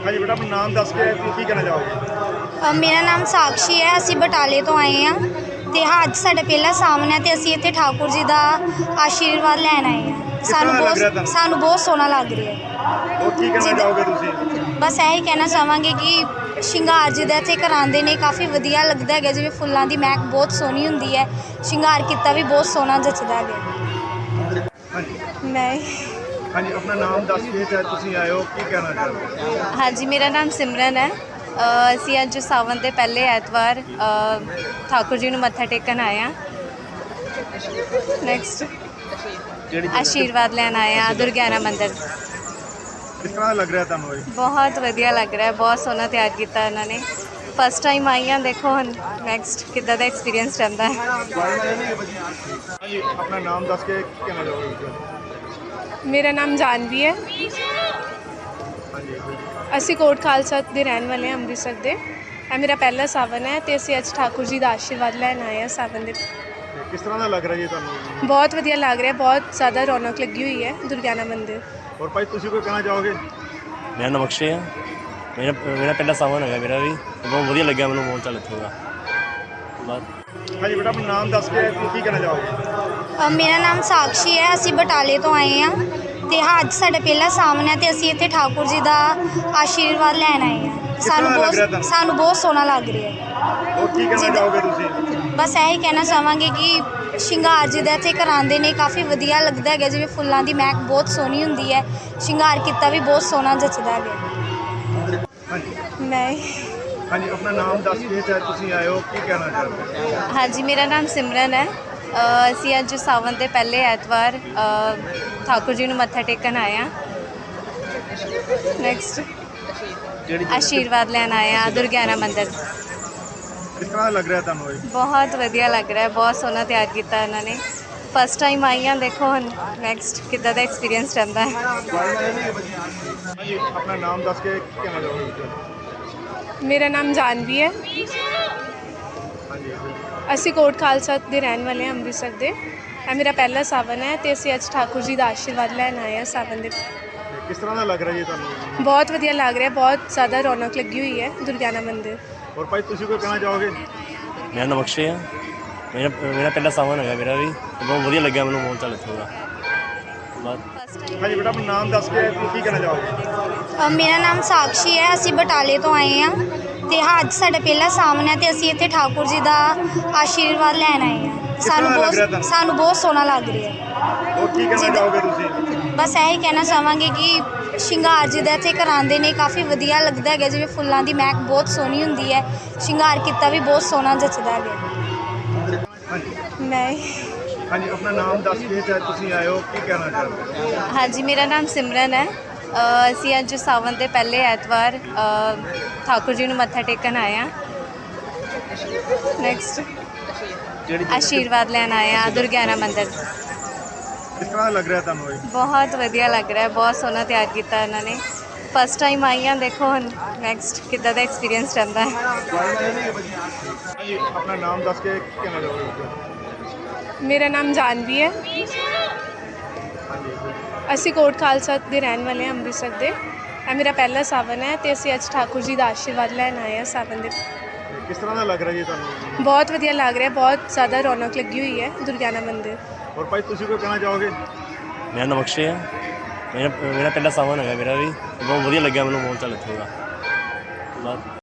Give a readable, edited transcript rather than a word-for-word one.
ਹਾਂਜੀ ਬੇਟਾ, ਆਪਣਾ ਨਾਮ ਦੱਸ ਕੇ ਕੀ ਕਹਿਣਾ ਚਾਹੋਗੇ? ਮੇਰਾ ਨਾਮ ਸਾਕਸ਼ੀ ਹੈ। ਅਸੀਂ ਬਟਾਲੇ ਤੋਂ ਆਏ ਹਾਂ ਅਤੇ ਅੱਜ ਸਾਡਾ ਪਹਿਲਾ ਸਾਵਨ ਹੈ ਅਤੇ ਅਸੀਂ ਇੱਥੇ ਠਾਕੁਰ ਜੀ ਦਾ ਆਸ਼ੀਰਵਾਦ ਲੈਣ ਆਏ ਹਾਂ। ਕਿਸ ਤਰ੍ਹਾਂ ਦਾ ਲੱਗ ਰਿਹਾ ਤੁਹਾਨੂੰ? ਸਾਨੂੰ ਬਹੁਤ ਸੋਹਣਾ ਲੱਗ ਰਿਹਾ ਹੈ। ਹੋਰ ਕੀ ਕਹਿਣਾ ਚਾਹੋਗੇ ਤੁਸੀਂ? ਬਸ ਇਹੀ ਕਹਿਣਾ ਚਾਹਾਂਗੇ ਕਿ ਸ਼ਿੰਗਾਰ ਜਿਹਦਾ ਇੱਥੇ ਕਰਾਉਂਦੇ ਨੇ ਕਾਫੀ ਵਧੀਆ ਲੱਗਦਾ ਹੈਗਾ। ਜਿਵੇਂ ਫੁੱਲਾਂ ਦੀ ਮਹਿਕ ਬਹੁਤ ਸੋਹਣੀ ਹੁੰਦੀ ਹੈ, ਸ਼ਿੰਗਾਰ ਕੀਤਾ ਵੀ ਬਹੁਤ ਸੋਹਣਾ ਜੱਚਦਾ ਹੈਗਾ। ਹਾਂਜੀ ਮੈਂ ਹਾਂਜੀ, ਆਪਣਾ ਨਾਮ ਦੱਸ ਕੇ ਚਾਹੇ ਤੁਸੀਂ ਆਏ ਹੋ, ਕੀ ਕਹਿਣਾ ਚਾਹੋਗੇ? ਹਾਂਜੀ, ਮੇਰਾ ਨਾਮ ਸਿਮਰਨ ਹੈ। ਅਸੀਂ ਅੱਜ ਸਾਵਨ ਦੇ ਪਹਿਲੇ ਐਤਵਾਰ ਠਾਕੁਰ ਜੀ ਨੂੰ ਮੱਥਾ ਟੇਕਣ ਆਏ ਹਾਂ। ਨੈਕਸਟ ਕਿਹੜੀ ਜਗ੍ਹਾ? ਆਸ਼ੀਰਵਾਦ ਲੈਣ ਆਏ ਹਾਂ ਦੁਰਗਿਆਨਾ ਮੰਦਿਰ। ਕਿਸ ਤਰ੍ਹਾਂ ਦਾ ਲੱਗ ਰਿਹਾ ਤੁਹਾਨੂੰ ਇਹ? ਬਹੁਤ ਵਧੀਆ ਲੱਗ ਰਿਹਾ, ਬਹੁਤ ਸੋਹਣਾ ਤਿਆਰ ਕੀਤਾ ਇਹਨਾਂ ਨੇ। ਫਸਟ ਟਾਈਮ ਆਈ ਹਾਂ, ਦੇਖੋ ਹੁਣ ਨੈਕਸਟ ਕਿੱਦਾਂ ਦਾ ਐਕਸਪੀਰੀਅੰਸ ਰਹਿੰਦਾ ਹੈ। ਹਾਂਜੀ, ਆਪਣਾ ਨਾਮ ਦੱਸ ਕੇ ਕੀ ਕਹਿਣਾ ਚਾਹੋਗੇ? ਮੇਰਾ ਨਾਮ ਜਾਨਵੀ ਹੈ। ਹਾਂਜੀ ਅਸੀਂ ਕੋਟ ਖਾਲਸਾ ਦੇ ਰਹਿਣ ਵਾਲੇ ਹਾਂ, ਅੰਮ੍ਰਿਤਸਰ ਦੇ। ਇਹ ਮੇਰਾ ਪਹਿਲਾ ਸਾਵਨ ਹੈ ਅਤੇ ਅਸੀਂ ਅੱਜ ਠਾਕੁਰ ਜੀ ਦਾ ਆਸ਼ੀਰਵਾਦ ਲੈਣ ਆਏ ਹਾਂ ਸਾਵਨ ਦੇ। ਤੇ ਕਿਸ ਤਰ੍ਹਾਂ ਦਾ ਲੱਗ ਰਿਹਾ ਜੀ ਤੁਹਾਨੂੰ? ਬਹੁਤ ਵਧੀਆ ਲੱਗ ਰਿਹਾ, ਬਹੁਤ ਜ਼ਿਆਦਾ ਰੌਣਕ ਲੱਗੀ ਹੋਈ ਹੈ ਦੁਰਗਿਆਨਾ ਮੰਦਿਰ। ਹੋਰ ਭਾਈ, ਤੁਸੀਂ ਕੋਈ ਕਹਿਣਾ ਚਾਹੋਗੇ? ਮੇਰਾ ਨਾਮ ਅਕਸ਼ੇ ਆ। ਮੇਰਾ ਪਹਿਲਾ ਸਾਵਨ ਹੈਗਾ ਮੇਰਾ ਵੀ, ਬਹੁਤ ਵਧੀਆ ਲੱਗਿਆ ਮੈਨੂੰ ਮਾਹੌਲ ਚੱਲ ਇੱਥੋਂ ਦਾ। ਬਸ ਹਾਂਜੀ ਬੇਟਾ, ਆਪਣਾ ਨਾਮ ਦੱਸ ਕੇ ਕੀ ਕਹਿਣਾ ਚਾਹੋਗੇ? ਮੇਰਾ ਨਾਮ ਸਾਕਸ਼ੀ ਹੈ। ਅਸੀਂ ਬਟਾਲੇ ਤੋਂ ਆਏ ਹਾਂ ਅਤੇ ਅੱਜ ਸਾਡਾ ਪਹਿਲਾ ਸਾਵਨ ਹੈ ਅਤੇ ਅਸੀਂ ਇੱਥੇ ਠਾਕੁਰ ਜੀ ਦਾ ਆਸ਼ੀਰਵਾਦ ਲੈਣ ਆਏ ਹਾਂ। ਸਾਨੂੰ ਬਹੁਤ ਸੋਹਣਾ ਲੱਗ ਰਿਹਾ ਹੈ। ਹੋਰ ਕੀ ਕਹਿਣਾ ਚਾਹੋਗੇ ਤੁਸੀਂ? ਬਸ ਇਹੀ ਕਹਿਣਾ ਚਾਹਾਂਗੇ ਕਿ ਸ਼ਿੰਗਾਰ ਜਿਹਦਾ ਇੱਥੇ ਕਰਾਉਂਦੇ ਨੇ ਕਾਫੀ ਵਧੀਆ ਲੱਗਦਾ ਹੈਗਾ। ਜਿਵੇਂ ਫੁੱਲਾਂ ਦੀ ਮਹਿਕ ਬਹੁਤ ਸੋਹਣੀ ਹੁੰਦੀ ਹੈ, ਸ਼ਿੰਗਾਰ ਕੀਤਾ ਵੀ ਬਹੁਤ ਸੋਹਣਾ ਜੱਚਦਾ ਹੈਗਾ। ਹਾਂਜੀ ਮੈਂ ਹਾਂਜੀ, ਆਪਣਾ ਨਾਮ ਦੱਸ ਕੇ ਚਾਹੇ ਤੁਸੀਂ ਆਏ ਹੋ, ਕੀ ਕਹਿਣਾ ਚਾਹੋਗੇ? ਹਾਂਜੀ, ਮੇਰਾ ਨਾਮ ਸਿਮਰਨ ਹੈ। ਅਸੀਂ ਅੱਜ ਸਾਵਨ ਦੇ ਪਹਿਲੇ ਐਤਵਾਰ ਠਾਕੁਰ ਜੀ ਨੂੰ ਮੱਥਾ ਟੇਕਣ ਆਏ ਹਾਂ। ਨੈਕਸਟ ਕਿਹੜੀ ਜਗ੍ਹਾ? ਆਸ਼ੀਰਵਾਦ ਲੈਣ ਆਏ ਹਾਂ ਦੁਰਗਿਆਨਾ ਮੰਦਿਰ। ਕਿਸ ਤਰ੍ਹਾਂ ਦਾ ਲੱਗ ਰਿਹਾ ਤੁਹਾਨੂੰ ਇਹ? ਬਹੁਤ ਵਧੀਆ ਲੱਗ ਰਿਹਾ, ਬਹੁਤ ਸੋਹਣਾ ਤਿਆਰ ਕੀਤਾ ਇਹਨਾਂ ਨੇ। ਫਸਟ ਟਾਈਮ ਆਈ ਹਾਂ, ਦੇਖੋ ਹੁਣ ਨੈਕਸਟ ਕਿੱਦਾਂ ਦਾ ਐਕਸਪੀਰੀਅੰਸ ਰਹਿੰਦਾ ਹੈ। ਹਾਂਜੀ, ਆਪਣਾ ਨਾਮ ਦੱਸ ਕੇ ਕੀ ਕਹਿਣਾ ਚਾਹੋਗੇ? ਮੇਰਾ ਨਾਮ ਜਾਨਵੀ ਹੈ। ਹਾਂਜੀ ਅਸੀਂ ਕੋਟ ਖਾਲਸਾ ਦੇ ਰਹਿਣ ਵਾਲੇ ਹਾਂ, ਅੰਮ੍ਰਿਤਸਰ ਦੇ। ਇਹ ਮੇਰਾ ਪਹਿਲਾ ਸਾਵਨ ਹੈ ਅਤੇ ਅਸੀਂ ਅੱਜ ਠਾਕੁਰ ਜੀ ਦਾ ਆਸ਼ੀਰਵਾਦ ਲੈਣ ਆਏ ਹਾਂ ਸਾਵਨ ਦੇ। ਤੇ ਕਿਸ ਤਰ੍ਹਾਂ ਦਾ ਲੱਗ ਰਿਹਾ ਜੀ ਤੁਹਾਨੂੰ? ਬਹੁਤ ਵਧੀਆ ਲੱਗ ਰਿਹਾ, ਬਹੁਤ ਜ਼ਿਆਦਾ ਰੌਣਕ ਲੱਗੀ ਹੋਈ ਹੈ ਦੁਰਗਿਆਨਾ ਮੰਦਿਰ। ਹੋਰ ਭਾਈ, ਤੁਸੀਂ ਕੋਈ ਕਹਿਣਾ ਚਾਹੋਗੇ? ਮੇਰਾ ਨਾਮ ਅਕਸ਼ੇ ਆ। ਮੇਰਾ ਪਹਿਲਾ ਸਾਵਨ ਹੈਗਾ ਮੇਰਾ ਵੀ, ਬਹੁਤ ਵਧੀਆ ਲੱਗਿਆ ਮੈਨੂੰ ਮਾਹੌਲ ਚੱਲ ਇੱਥੋਂ ਦਾ। ਬਸ ਹਾਂਜੀ ਬੇਟਾ, ਆਪਣਾ ਨਾਮ ਦੱਸ ਕੇ ਕੀ ਕਹਿਣਾ ਚਾਹੋਗੇ? ਮੇਰਾ ਨਾਮ ਸਾਕਸ਼ੀ ਹੈ। ਅਸੀਂ ਬਟਾਲੇ ਤੋਂ ਆਏ ਹਾਂ ਅਤੇ ਅੱਜ ਸਾਡਾ ਪਹਿਲਾ ਸਾਵਨ ਹੈ ਅਤੇ ਅਸੀਂ ਇੱਥੇ ਠਾਕੁਰ ਜੀ ਦਾ ਆਸ਼ੀਰਵਾਦ ਲੈਣ ਆਏ ਹਾਂ। ਸਾਨੂੰ ਬਹੁਤ ਸੋਹਣਾ ਲੱਗ ਰਿਹਾ ਹੈ। ਹੋਰ ਕੀ ਕਹਿਣਾ ਚਾਹੋਗੇ ਤੁਸੀਂ? ਬਸ ਇਹੀ ਕਹਿਣਾ ਚਾਹਾਂਗੇ ਕਿ ਸ਼ਿੰਗਾਰ ਜਿਹਦਾ ਇੱਥੇ ਕਰਾਉਂਦੇ ਨੇ ਕਾਫੀ ਵਧੀਆ ਲੱਗਦਾ ਹੈਗਾ। ਜਿਵੇਂ ਫੁੱਲਾਂ ਦੀ ਮਹਿਕ ਬਹੁਤ ਸੋਹਣੀ ਹੁੰਦੀ ਹੈ, ਸ਼ਿੰਗਾਰ ਕੀਤਾ ਵੀ ਬਹੁਤ ਸੋਹਣਾ ਜੱਚਦਾ ਹੈਗਾ। ਹਾਂਜੀ ਮੈਂ ਹਾਂਜੀ, ਆਪਣਾ ਨਾਮ ਦੱਸ ਕੇ ਚਾਹੇ ਤੁਸੀਂ ਆਏ ਹੋ, ਕੀ ਕਹਿਣਾ ਚਾਹੋਗੇ? ਹਾਂਜੀ, ਮੇਰਾ ਨਾਮ ਸਿਮਰਨ ਹੈ। ਅਸੀਂ ਅੱਜ ਸਾਵਨ ਦੇ ਪਹਿਲੇ ਐਤਵਾਰ ਠਾਕੁਰ ਜੀ ਨੂੰ ਮੱਥਾ ਟੇਕਣ ਆਏ ਹਾਂ। ਨੈਕਸਟ ਕਿਹੜੀ ਜਗ੍ਹਾ? ਆਸ਼ੀਰਵਾਦ ਲੈਣ ਆਏ ਹਾਂ ਦੁਰਗਿਆਨਾ ਮੰਦਿਰ। ਕਿਸ ਤਰ੍ਹਾਂ ਦਾ ਲੱਗ ਰਿਹਾ ਤੁਹਾਨੂੰ ਇਹ? ਬਹੁਤ ਵਧੀਆ ਲੱਗ ਰਿਹਾ, ਬਹੁਤ ਸੋਹਣਾ ਤਿਆਰ ਕੀਤਾ ਇਹਨਾਂ ਨੇ। ਫਸਟ ਟਾਈਮ ਆਈ ਹਾਂ, ਦੇਖੋ ਹੁਣ ਨੈਕਸਟ ਕਿੱਦਾਂ ਦਾ ਐਕਸਪੀਰੀਅੰਸ ਰਹਿੰਦਾ ਹੈ। ਹਾਂਜੀ, ਆਪਣਾ ਨਾਮ ਦੱਸ ਕੇ ਕੀ ਕਹਿਣਾ ਚਾਹੋਗੇ? ਮੇਰਾ ਨਾਮ ਜਾਨਵੀ ਹੈ। ਅਸੀਂ ਕੋਟ ਖਾਲਸਾ ਦੇ ਰਹਿਣ ਵਾਲੇ ਹਾਂ, ਅੰਮ੍ਰਿਤਸਰ ਦੇ। ਇਹ ਮੇਰਾ ਪਹਿਲਾ ਸਾਵਨ ਹੈ ਅਤੇ ਅਸੀਂ ਅੱਜ ਠਾਕੁਰ ਜੀ ਦਾ ਆਸ਼ੀਰਵਾਦ ਲੈਣ ਆਏ ਹਾਂ ਸਾਵਨ ਦੇ। ਤੇ ਕਿਸ ਤਰ੍ਹਾਂ ਦਾ ਲੱਗ ਰਿਹਾ ਜੀ ਤੁਹਾਨੂੰ? ਬਹੁਤ ਵਧੀਆ ਲੱਗ ਰਿਹਾ, ਬਹੁਤ ਜ਼ਿਆਦਾ ਰੌਣਕ ਲੱਗੀ ਹੋਈ ਹੈ ਦੁਰਗਿਆਨਾ ਮੰਦਿਰ। ਹੋਰ ਭਾਈ, ਤੁਸੀਂ ਕੋਈ ਕਹਿਣਾ ਚਾਹੋਗੇ? ਮੇਰਾ ਨਾਮ ਅਕਸ਼ੇ ਆ। ਮੇਰਾ ਪਹਿਲਾ ਸਾਵਨ ਹੈਗਾ ਮੇਰਾ ਵੀ, ਬਹੁਤ ਵਧੀਆ ਲੱਗਿਆ ਮੈਨੂੰ ਮਾਹੌਲ ਚੱਲ ਇੱਥੋਂ ਦਾ। ਬਸ